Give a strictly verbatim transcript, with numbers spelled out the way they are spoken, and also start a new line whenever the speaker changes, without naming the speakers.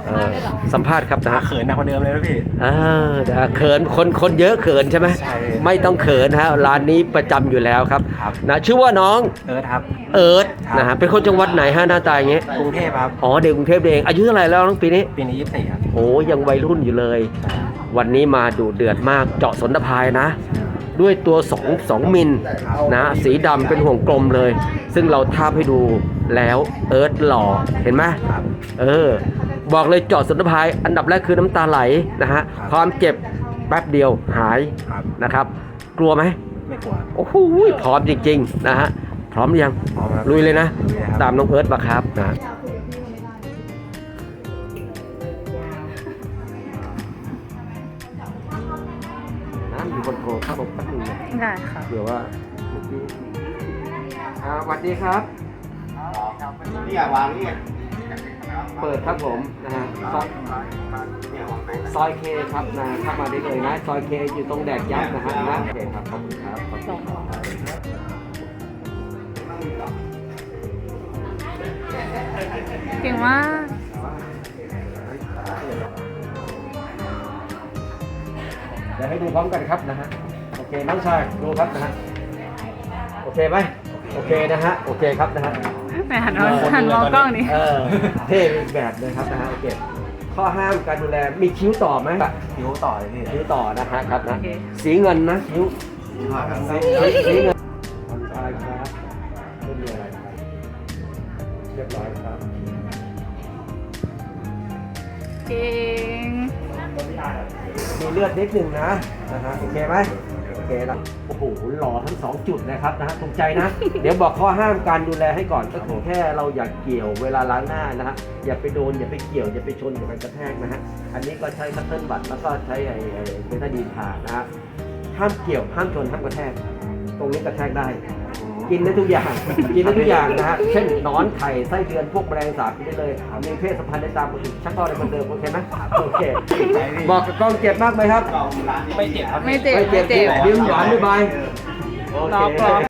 เออสัมภาษณ์ครับนะฮะ
เขินหนักกว่าเดิมเลยนะพี่
เออนะเขินคนคนเยอะเขินใช่ไหม
ใช่
ไม่ต้องเขินฮะร้านนี้ประจำอยู่แล้วครับ
ครับ
นะชื่อว่าน้อง
เอิร์ธครับ
เอิร์ธ
ครับ
นะฮะเป็นคนจังหวัดไหนฮะหน้าตาอย่างเงี้ย
กรุงเทพครับ
อ๋อเด็กกรุงเทพเองอายุเท่าไหร่แล้วน้องปีนี้
ปีนี้ยี่สิบสี่ครับ
โอ้ยังวัยรุ่นอยู่เลย วันนี้มาดูเดือดมากเจาะสนพายนะ ด้วยตัว2 2มิลนะสีดำเป็นห่วงกลมเลย ซึ่งเราทาบให้ดูแล้วเอิร์ธหล่อเห็นไหม
ครับ
เออ บอกเลยเจาะสนพายอันดับแรกคือน้ำตาไหลนะฮะ
ครับ
ความเจ็บแป๊บเดียวหาย
ครับ
นะครับ กลัวไหม
ไม่กลัว
โอ้โหพร้อมจริงๆนะฮะพร้อมหรือยัง
พร้อมครับ
ลุยเลยนะ
ลุยเลยครับ
ตามน้องเอิร์ธมาครับนะน้ำอยู่บนโถครับผมแป๊บนึงนะ
ได้ค่ะ
เดี๋ยวว่าเมื่อกี้อ่าสวัสดีครับ
นี่อย่าวางนี่
เปิดครับผมนะฮะซอยซอยเคครับนะเข้ามาได้เลยนะซอยเคอยู่ตรงแดกยักษ์นะฮะนะโอเคครับขอบคุณครับขอบคุณครับ
เก่งมาก
เดี๋ยวให้ดูพร้อมกันครับนะฮะโอเคน้องชายดูครับนะฮะโอเคไหมโอเคนะฮะโอเคครับนะฮะ
แหมหันมองหันมองกล้องนี่
เออเท่อีกแบบเลยครับนะฮะโอเคข้อห้ามการดูแลมีคิ้วต่อไหม
คิ้วต่อเลยพี่
คิ้วต่อนะฮะครับนะ
โอเค
สีเงินนะคิ้ว
ครับ
สีเงินผ่อนคลายครับไม่มีอะไรครับเรียบร้อยครับ
เก่ง
มีเลือดนิดนึงนะนะฮะโอเคไหมโอเคนะโอ้โหหล่อทั้งสองจุดนะครับนะฮะตรงใจนะ เดี๋ยวบอกข้อห้ามการดูแลให้ก่อนก็คือแค่เราอย่าเกี่ยวเวลาล้างหน้านะฮะอย่าไปโดนอย่าไปเกี่ยวอย่าไปชนอย่าไปกระแทกนะฮะอันนี้ก็ใช้คัตเติ้ลบัตแล้วก็ใช้ไอ้ไอ้เบต้าดีนทานะฮะห้ามเกี่ยวห้ามชนห้ามกระแทก ตรงนี้กระแทกได้ กินได้ทุกอย่าง กินได้ทุกอย่างนะฮะ เช่นหนอนไข่ไส้เดือนพวกแมลงสาบกินได้เลยมีเพศสัมพันธ์ได้ตามปกติชักต่อได้เหมือนเดิมโอเคไหมโอเค บอกกับกล้องเจ็บมากไหมครับ
ไม่เจ็บครับ
ไม่เจ็บ
ไม่เจ็บ
ไม่เจ็บ
ยิ้มหวานบ๊ายบายโอ
รอ
เค
กรอบ